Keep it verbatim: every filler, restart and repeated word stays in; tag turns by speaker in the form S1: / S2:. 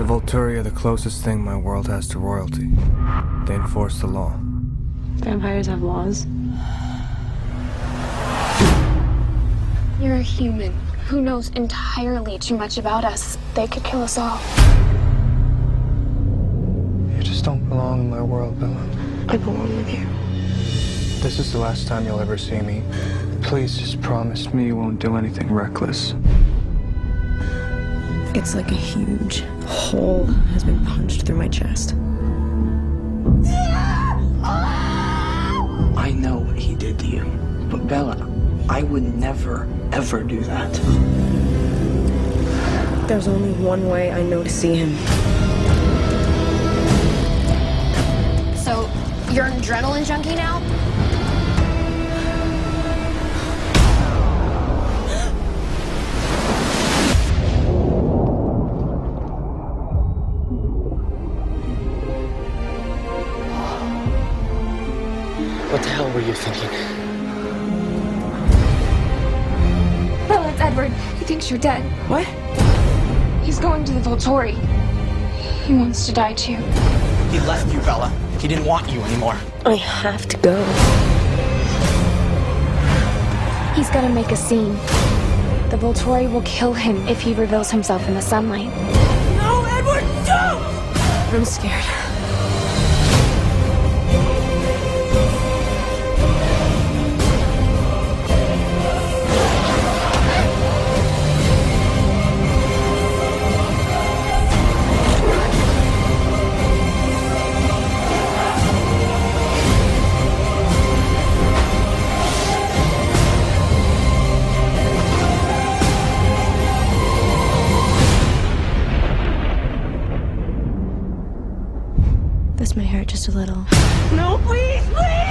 S1: Volturi are the closest thing my world has to royalty. They enforce the law.
S2: Vampires have laws.
S3: You're a human who knows entirely too much about us. They could kill us all.
S1: You just don't belong in my world, Bella.
S3: I belong with you.
S1: This is the last time you'll ever see me. Please just promise me you won't do anything reckless.
S2: It's like a huge hole has been punched through my chest.
S4: I know what he did to you, but Bella, I would never, ever do that.
S2: There's only one way I know to see him.
S3: So, you're an adrenaline junkie now?
S4: What the hell were you thinking?
S3: Bella, it's Edward. He thinks you're dead.
S2: What?
S3: He's going to the Volturi. He wants to die too.
S4: He left you, Bella. He didn't want you anymore.
S2: I have to go.
S3: He's gonna make a scene. The Volturi will kill him if he reveals himself in the sunlight.
S2: No, Edward, don't! I'm scared. This may hurt just a little. No, please, please!